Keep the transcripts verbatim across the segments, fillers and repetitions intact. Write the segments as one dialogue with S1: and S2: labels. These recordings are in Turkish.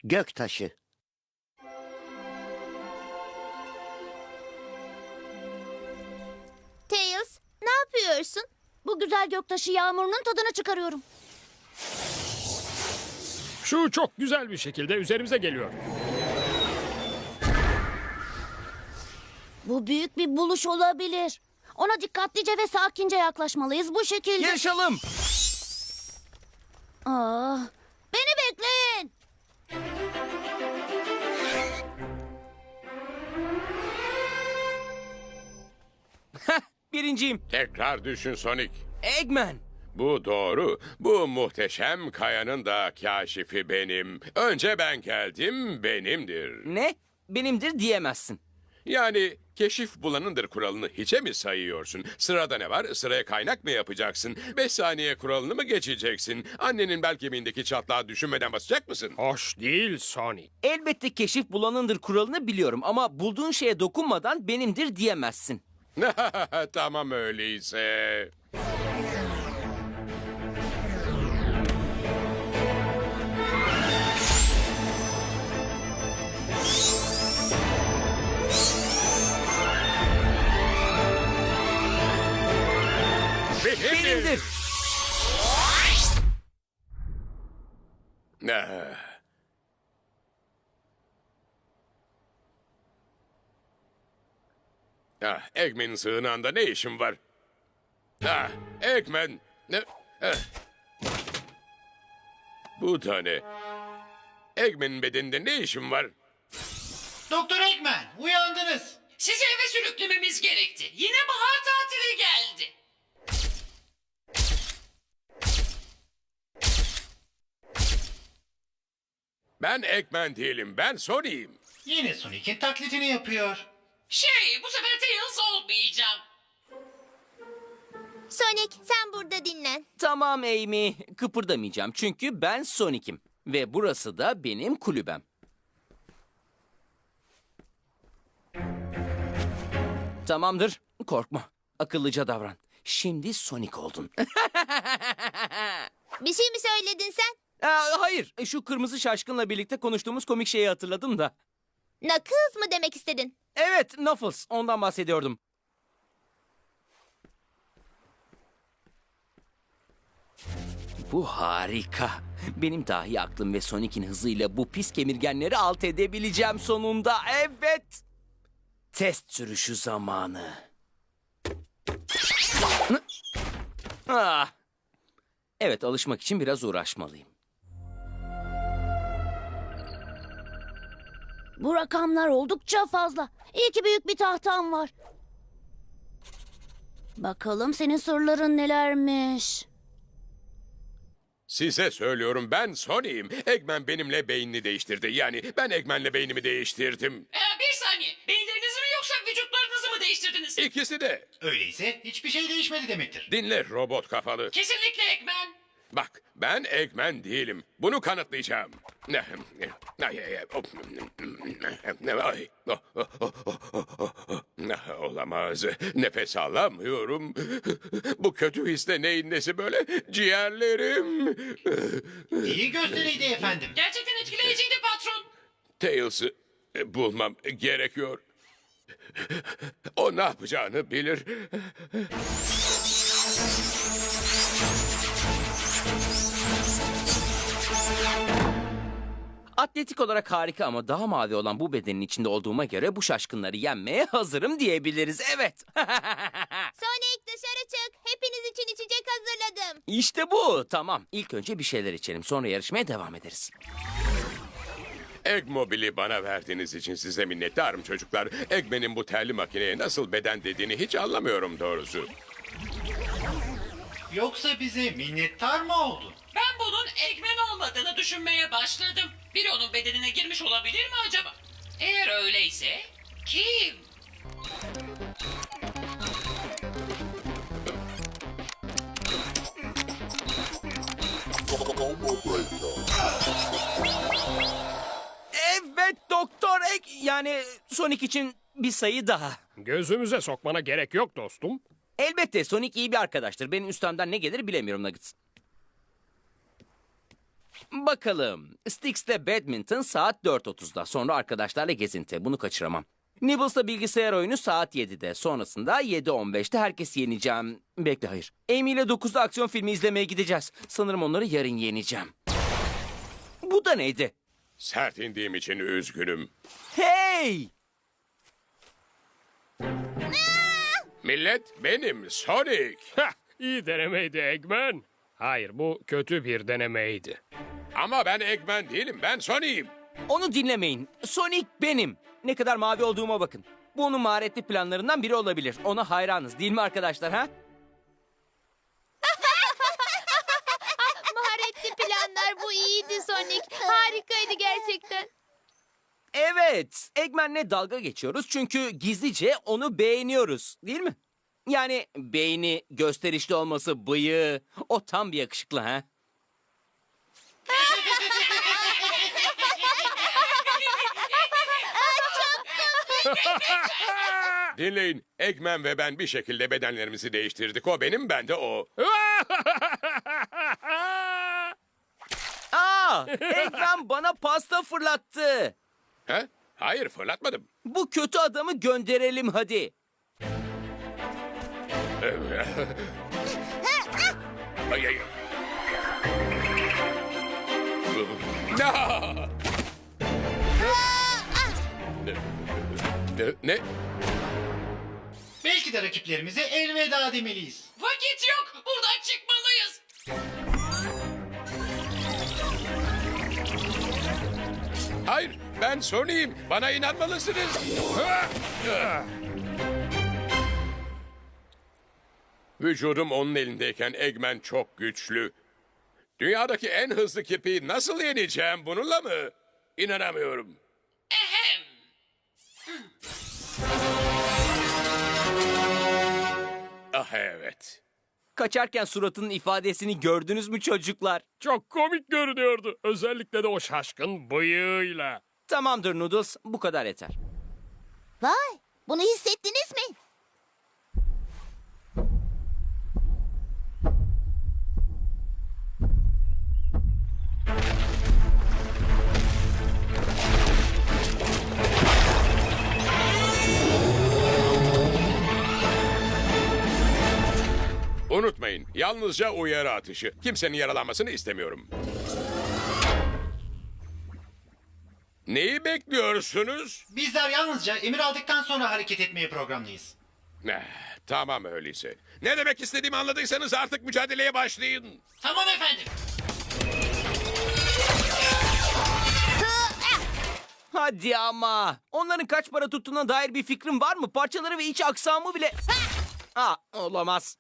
S1: Göktaşı.
S2: Tails, ne yapıyorsun?
S3: Bu güzel göktaşı yağmurunun tadını çıkarıyorum.
S4: Şu çok güzel bir şekilde üzerimize geliyor.
S3: Bu büyük bir buluş olabilir. Ona dikkatlice ve sakince yaklaşmalıyız bu şekilde.
S5: Yaşalım.
S3: Aa, beni bekleyin.
S5: Birinciyim.
S6: Tekrar düşün Sonic.
S5: Eggman.
S6: Bu doğru. Bu muhteşem kayanın da kaşifi benim. Önce ben geldim, benimdir.
S5: Ne? Benimdir diyemezsin.
S6: Yani keşif bulanındır kuralını hiçe mi sayıyorsun? Sırada ne var? Sıraya kaynak mı yapacaksın? Beş saniye kuralını mı geçeceksin? Annenin bel kemiğindeki çatlağı düşünmeden basacak mısın?
S4: Hoş değil Sonic.
S5: Elbette keşif bulanındır kuralını biliyorum ama bulduğun şeye dokunmadan benimdir diyemezsin.
S6: Tamam öyleyse.
S5: Benimdir.
S6: Ah. Ah, Eggman'in sığınağında ne işin var? Ah, Eggman. Ne? Ah. Bu da ne? Eggman'in bedeninde ne işin var?
S7: Doktor Eggman, uyandınız.
S8: Sizi eve sürüklememiz gerekti. Yine bahar tatili geldi.
S6: Ben Eggman değilim, ben Sonic'im.
S7: Yine Sonic'in taklidini yapıyor.
S8: Şey, bu sefer Tails olmayacağım.
S2: Sonic, sen burada dinlen.
S5: Tamam Amy. Kıpırdamayacağım çünkü ben Sonic'im. Ve burası da benim kulübem. Tamamdır. Korkma. Akıllıca davran. Şimdi Sonic oldun.
S2: Bir şey mi söyledin sen?
S5: Aa, hayır. Şu kırmızı şaşkınla birlikte konuştuğumuz komik şeyi hatırladım da.
S2: Knuckles mı demek istedin?
S5: Evet, Knuckles. Ondan bahsediyordum. Bu harika. Benim dahi aklım ve Sonic'in hızıyla bu pis kemirgenleri alt edebileceğim sonunda. Evet. Test sürüşü zamanı. Ah. Evet, alışmak için biraz uğraşmalıyım.
S3: Bu rakamlar oldukça fazla. İyi ki büyük bir tahtam var. Bakalım senin sırların nelermiş.
S6: Size söylüyorum, ben Sonic'im. Eggman benimle beynini değiştirdi. Yani ben Eggman'le beynimi değiştirdim.
S8: Ee, bir saniye. Beyinlerinizi mi yoksa vücutlarınızı mı değiştirdiniz?
S6: İkisi de.
S7: Öyleyse hiçbir şey değişmedi demektir.
S6: Dinle robot kafalı.
S8: Kesinlikle Eggman.
S6: Bak, ben Eggman değilim. Bunu kanıtlayacağım. Ay, ay, ay, ay. Olamaz. Nefes alamıyorum. Bu kötü hisle neyin nesi böyle? Ciğerlerim.
S7: İyi gösteriydi efendim.
S8: Gerçekten etkileyiciydi patron.
S6: Tails'ı bulmam gerekiyor. O ne yapacağını bilir.
S5: Atletik olarak harika ama daha mavi olan bu bedenin içinde olduğuma göre bu şaşkınları yenmeye hazırım diyebiliriz. Evet.
S2: Sonic dışarı çık. Hepiniz için içecek hazırladım.
S5: İşte bu. Tamam. İlk önce bir şeyler içelim. Sonra yarışmaya devam ederiz.
S6: Eggmobil'i bana verdiğiniz için size minnettarım çocuklar. Eggman'in bu terli makineye nasıl beden dediğini hiç anlamıyorum doğrusu.
S7: Yoksa bize minnettar mı oldun?
S8: Ben bunun Eggman olmadığını düşünmeye başladım. Biri onun bedenine girmiş olabilir mi acaba? Eğer öyleyse kim?
S5: Evet Doktor Egg. Yani Sonic için bir sayı daha.
S4: Gözümüze sokmana gerek yok dostum.
S5: Elbette Sonic iyi bir arkadaştır. Benim üstemden ne gelir bilemiyorum Nuggets. Bakalım. Styx'te badminton saat dört otuzda. Sonra arkadaşlarla gezinti. Bunu kaçıramam. Nibbles'ta bilgisayar oyunu saat yedide. Sonrasında yedi on beşte herkesi yeneceğim. Bekle, hayır. Amy ile dokuzda aksiyon filmi izlemeye gideceğiz. Sanırım onları yarın yeneceğim. Bu da neydi?
S6: Sert indiğim için üzgünüm.
S5: Hey!
S6: Millet, benim Sonic.
S4: Heh, iyi denemeydi Eggman. Hayır, bu kötü bir denemeydi.
S6: Ama ben Eggman değilim, ben Sonic'im.
S5: Onu dinlemeyin. Sonic benim. Ne kadar mavi olduğuma bakın. Bu onun maharetli planlarından biri olabilir. Ona hayranız değil mi arkadaşlar, ha?
S2: Maharetli planlar, bu iyiydi Sonic. Harikaydı gerçekten.
S5: Evet, Eggman'le dalga geçiyoruz çünkü gizlice onu beğeniyoruz, değil mi? Yani beyni, gösterişli olması, bıyığı, o tam bir yakışıklı, ha?
S6: Dinleyin, Eggman ve ben bir şekilde bedenlerimizi değiştirdik. O benim, ben de o.
S5: Aa, Eggman bana pasta fırlattı.
S6: He? Hayır, fırlatmadım.
S5: Bu kötü adamı gönderelim hadi.
S6: Ay, ay. No! Ne? Ne?
S7: Belki de rakiplerimize elveda demeliyiz.
S8: Vakit yok. Buradan çıkmalıyız.
S6: Hayır, ben Sonic'im. Bana inanmalısınız. Vücudum onun elindeyken Eggman çok güçlü. Dünyadaki en hızlı kirpiyi nasıl yeneceğim, bununla mı? İnanamıyorum.
S8: Ehem.
S6: Ah evet.
S5: Kaçarken suratının ifadesini gördünüz mü çocuklar?
S4: Çok komik görünüyordu. Özellikle de o şaşkın bıyığıyla.
S5: Tamamdır Noodles, bu kadar yeter.
S3: Vay, bunu hissettiniz mi?
S6: Unutmayın, yalnızca uyarı atışı. Kimsenin yaralanmasını istemiyorum. Neyi bekliyorsunuz?
S7: Bizler yalnızca emir aldıktan sonra hareket etmeye programlıyız.
S6: Eh, tamam öyleyse. Ne demek istediğimi anladıysanız artık mücadeleye başlayın.
S8: Tamam efendim.
S5: Hadi ama. Onların kaç para tuttuğuna dair bir fikrin var mı? Parçaları ve iç aksamı bile... Aa, olamaz.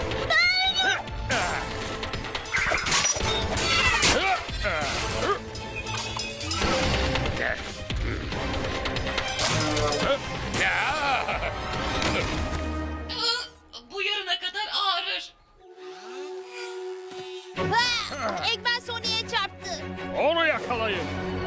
S6: Ya!
S8: Bu yarına kadar ağrır.
S2: Ha! Eggman Sonic'e çarptı.
S4: Onu yakalayın.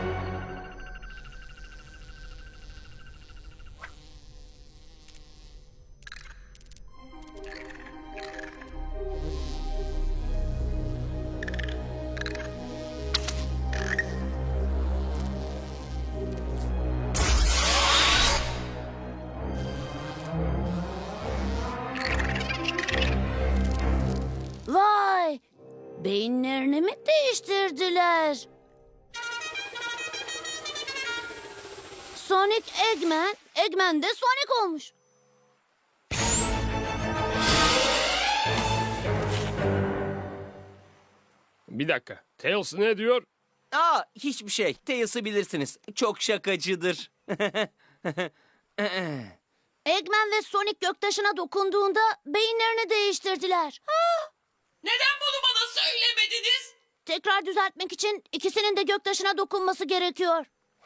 S3: Vay, beyinlerini mi değiştirdiler? Sonic Eggman, Eggman de Sonic olmuş.
S4: Bir dakika. Tails ne diyor?
S5: Aa, hiçbir şey. Tails'ı bilirsiniz. Çok şakacıdır.
S3: Eggman ve Sonic göktaşına dokunduğunda beyinlerini değiştirdiler.
S8: Neden bunu bana söylemediniz?
S3: Tekrar düzeltmek için ikisinin de göktaşına dokunması gerekiyor.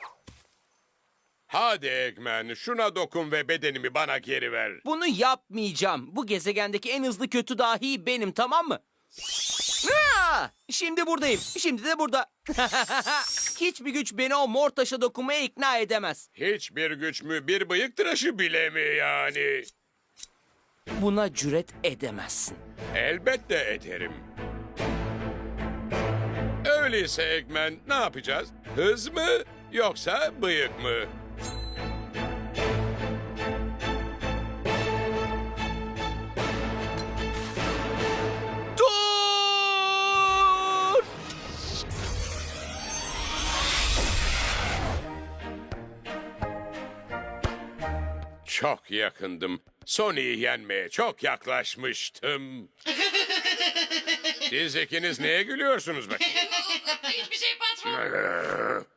S6: Hadi Eggman, şuna dokun ve bedenimi bana geri ver.
S5: Bunu yapmayacağım. Bu gezegendeki en hızlı kötü dahi benim, tamam mı? Aa! Şimdi buradayım. Şimdi de burada. Hiçbir güç beni o mor taşa dokunmaya ikna edemez.
S6: Hiçbir güç mü, bir bıyık tıraşı bile mi yani?
S5: Buna cüret edemezsin.
S6: Elbette ederim. Öyle Öyleyse Eggman ne yapacağız? Hız mı yoksa bıyık mı?
S5: Dur!
S6: Çok yakındım. Sony'yi yenmeye çok yaklaşmıştım. Siz ikiniz neye gülüyorsunuz bakayım?
S8: Hiçbir şey patron.